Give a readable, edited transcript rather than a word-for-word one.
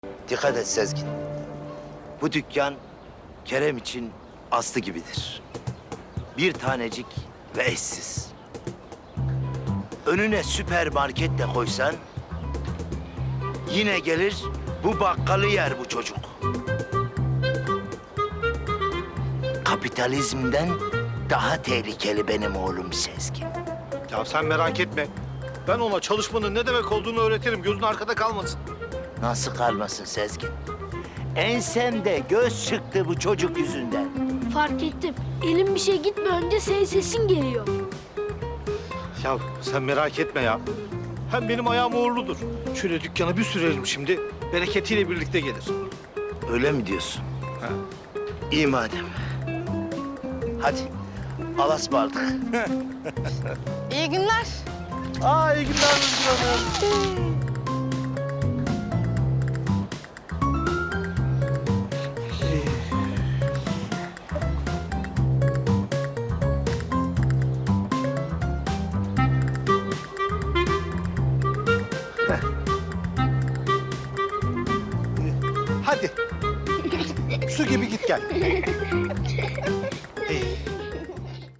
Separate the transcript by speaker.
Speaker 1: Dikkat et Sezgin. Bu dükkan Kerem için aslı gibidir. Bir tanecik ve eşsiz. Önüne süpermarket de koysan yine gelir bu bakkalı yer bu çocuk. Kapitalizmden daha tehlikeli benim oğlum Sezgin.
Speaker 2: Ya sen merak etme. Ben ona çalışmanın ne demek olduğunu öğretirim. Gözün arkada kalmasın.
Speaker 1: Nasıl kalmasın Sezgin? Ensemde göz çıktı bu çocuk yüzünden.
Speaker 3: Fark ettim. Elim bir şey gitme önce senin sesin geliyor.
Speaker 2: Ya sen merak etme ya. Hem benim ayağım uğurludur. Şöyle dükkana bir sürelim şimdi. Bereketiyle birlikte gelir.
Speaker 1: Öyle mi diyorsun?
Speaker 2: Ha.
Speaker 1: İyi madem. Hadi alaspardık.
Speaker 4: İyi günler.
Speaker 2: Aa, iyi günler Özgür Hanım. Hadi. Su gibi git gel.